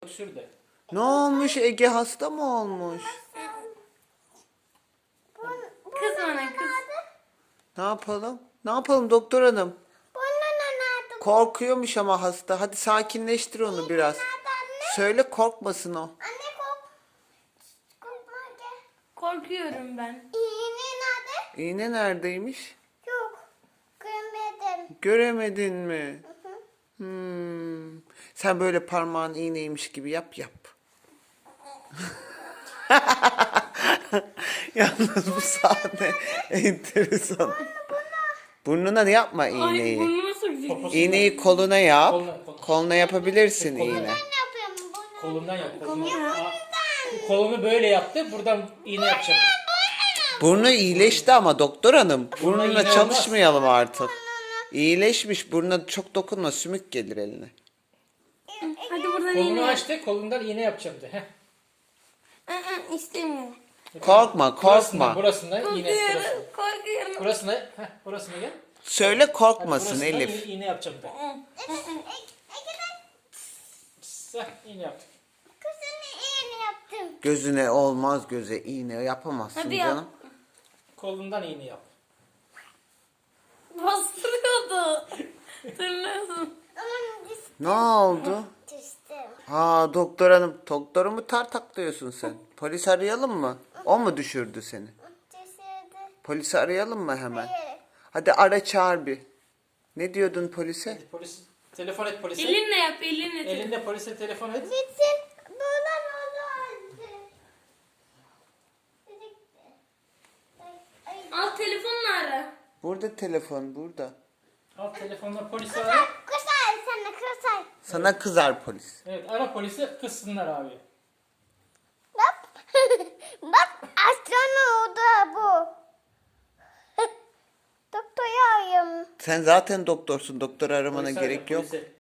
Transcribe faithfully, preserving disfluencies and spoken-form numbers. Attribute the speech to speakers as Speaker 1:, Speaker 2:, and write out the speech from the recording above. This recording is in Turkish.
Speaker 1: Şurada.
Speaker 2: Ne olmuş? Ege hasta mı olmuş?
Speaker 3: Kız bana kız.
Speaker 2: Ne yapalım? Ne yapalım doktor hanım?
Speaker 3: Burnuna nerede?
Speaker 2: Korkuyormuş ama hasta. Hadi sakinleştir onu biraz.
Speaker 3: Nerede anne?
Speaker 2: Söyle korkmasın o.
Speaker 3: Anne kork. Korkma gel. Korkuyorum ben. İğne nerede?
Speaker 2: İğne neredeymiş?
Speaker 3: Yok. Görmedim.
Speaker 2: Göremedin mi?
Speaker 3: Hı hı.
Speaker 2: Hmm. Sen böyle parmağın iğneymiş gibi yap yap. Yalnız bu sahne enteresan. Burnuna yapma iğneyi.
Speaker 3: burnuma sokacak.
Speaker 1: Poposu-
Speaker 2: İğneyi koluna yap.
Speaker 1: Koluna, koluna.
Speaker 2: Koluna yapabilirsin
Speaker 1: Koluna.
Speaker 2: iğne.
Speaker 3: Ne yapıyorum bunu?
Speaker 1: Kolundan yap. Kolunu, Aa, kolunu böyle yaptı. Buradan iğne yapacak.
Speaker 2: Burnu iyileşti ama doktor hanım.
Speaker 1: Burnuna
Speaker 2: Burnuna
Speaker 1: iğne
Speaker 2: çalışmayalım artık. İyileşmiş. Burnuna çok dokunma. Sümük gelir eline.
Speaker 3: Hadi buradan
Speaker 1: Kolunu
Speaker 3: iğne.
Speaker 1: açtı. Kolundan iğne yapacağım de. Heh.
Speaker 3: Aa, istemiyorum.
Speaker 2: Korkma
Speaker 1: Burasına,
Speaker 2: korkma.
Speaker 1: burasına iğne. Burasına.
Speaker 3: Korkuyorum. Korkuyorum.
Speaker 1: Burasına, heh, burasına gel.
Speaker 2: Söyle
Speaker 1: Hadi
Speaker 2: korkmasın
Speaker 1: burasına
Speaker 2: Elif.
Speaker 1: iğne, iğne yapacağım de. Heh, iğne yaptık.
Speaker 3: Kızını iğne yaptım.
Speaker 2: Gözüne olmaz göze iğne yapamazsın
Speaker 3: Hadi yap.
Speaker 2: canım.
Speaker 1: Kolundan iğne yap.
Speaker 3: Bastırıyordu. Tırnağım.
Speaker 2: Ne oldu?
Speaker 3: Düştüm.
Speaker 2: Ha doktor hanım. Doktoru mu tartaklıyorsun sen? Polis arayalım mı? O mu düşürdü seni?
Speaker 3: Düşürdü.
Speaker 2: Polisi arayalım mı hemen?
Speaker 3: Hayır.
Speaker 2: Hadi ara çağır bir. Ne diyordun polise?
Speaker 1: Polis, telefon et polise.
Speaker 3: Elinle yap, elinle.
Speaker 1: Elinde polise telefon et.
Speaker 3: Gitsin. Dolan oldu. Al telefonla ara.
Speaker 2: Burada telefon burada.
Speaker 1: Al telefonla polisi ara.
Speaker 3: Kısay sana kısay.
Speaker 2: Sana kızar polis.
Speaker 1: Evet, ara polisi, kızsınlar abi.
Speaker 3: Bak. Bak astronot bu. Doktor arıyorum.
Speaker 2: Sen zaten doktorsun. Doktor aramana
Speaker 1: Polisi ara,
Speaker 2: gerek yok.
Speaker 1: polisi.